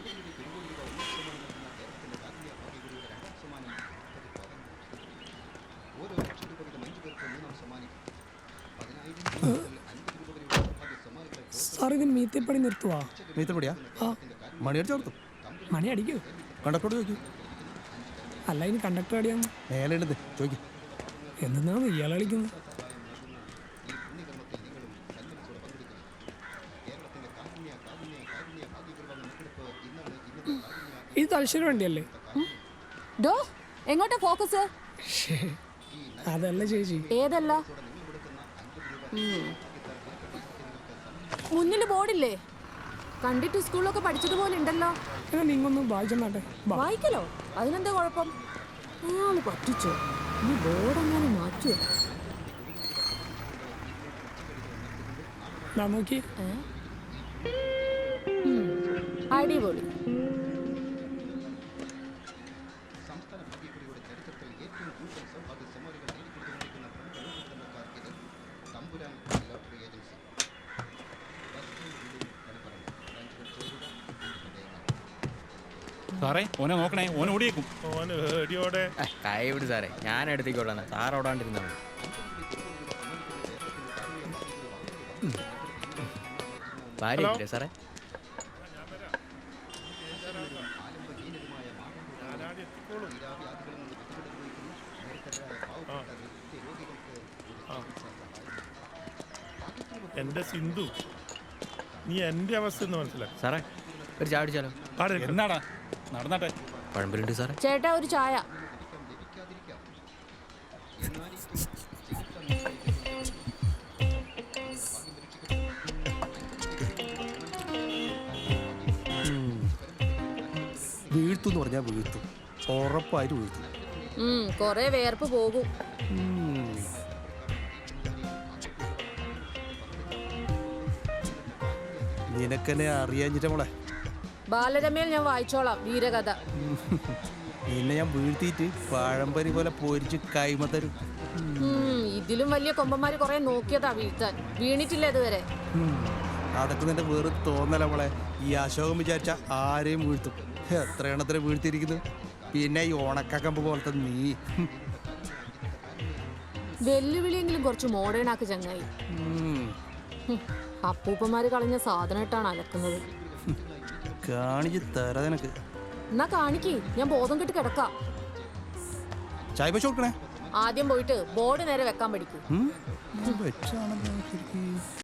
Sir ഇത് മീത്തപ്പണി നിർത്തുവാ? മീത്തപ്പടിയാ? ആ, മണി അടിച്ചു കൊടുത്തു. മണി അടിക്കൂ. കണ്ടക്ടറോട് ചോദിക്കൂ. അല്ല, ഇനി കണ്ടക്ടർ അടിയാന്ന് മേലെ ഉണ്ടെന്ന് ചോദിക്കും. എന്തെന്നാണ് ഇയാൾ കളിക്കുന്നത്? ഇത് തലശ്ശേരി വണ്ടിയല്ലേ? ഡോ, എങ്ങോട്ടാ ഫോക്കസ്? അതല്ല ചേച്ചി. ഏതല്ല? മുന്നിൽ ബോർഡില്ലേ? കണ്ടിട്ട് സ്കൂളിലൊക്കെ പഠിച്ചതുപോലെ ഉണ്ടല്ലോ. എന്നാ നിങ്ങൊന്ന് വായിച്ചെന്നാട്ടെ. വായിക്കലോ? അതിനെന്താ കുഴപ്പം? അയാൾ പറ്റിച്ചോ? ഈ ബോർഡ് അങ്ങനെ മാറ്റുമോ? നോക്കി. അടിപൊളി. സാറേ, ഓനെ നോക്കണേ, ഓൻ ഓടിയേക്കും. കൈ വിട് സാറേ, ഞാൻ എടുത്തേക്കോളാം. സാർ ഓടാണ്ടിരുന്നാ മതി. ഭാര്യയില്ലേ സാറേ? എന്റെ സിന്ധു, നീ എന്റെ അവസ്ഥ ഒന്ന് മനസ്സിലാക്കി. സാറേ, ഒരു ചായ അടിച്ചാലോ? എന്നാടാ നടന്നാട്ടെ. പഴമ്പലുണ്ട് സാറേ. ചേട്ടാ, ഒരു ചായ. വീഴ്ത്തുന്ന് പറഞ്ഞാൽ വീഴ്ത്തും, ഉറപ്പായിട്ട് വീഴ്ത്തും. കൊറേ വേർപ്പ് പോകും. നിനക്കെന്നെ അറിയാഞ്ഞിട്ട മോളെ. ബാലരമയിൽ ഞാൻ വായിച്ചോളാം വീരകഥ. നിന്നെ ഞാൻ വീഴ്ത്തിയിട്ട് പഴംപരി പോലെ പൊരിച്ച് കൈമ തരും. ഇതിലും വലിയ കൊമ്പന്മാര് കൊറേ നോക്കിയതാ വീഴ്ത്താൻ, വീണിട്ടില്ല ഇതുവരെ. അതൊക്കെ നിന്റെ വേറെ തോന്നല മോളെ. ഈ അശോകം വിചാരിച്ച ആരെയും വീഴ്ത്തും. എത്ര എണ്ണത്തിനെ വീഴ്ത്തിയിരിക്കുന്നു. പിന്നെ ഈ ഉണക്കക്കമ്പ് പോലത്തെ നീ. വെല്ലുവിളിയെങ്കിലും കുറച്ച് മോഡേൺ ആക്ക് ചങ്ങായി. അപ്പൂപ്പന്മാര് കളഞ്ഞ സാധനമായിട്ടാണ് അലക്കുന്നത്. കാണിച്ച് തരാ നിനക്ക്. എന്നാ കാണിക്ക്, ഞാൻ ബോധം കെട്ട് കിടക്കാം. ചായ പശ കൊടുക്കണേ. ആദ്യം പോയിട്ട് ബോർഡ് നേരെ വെക്കാൻ പഠിക്കൂ.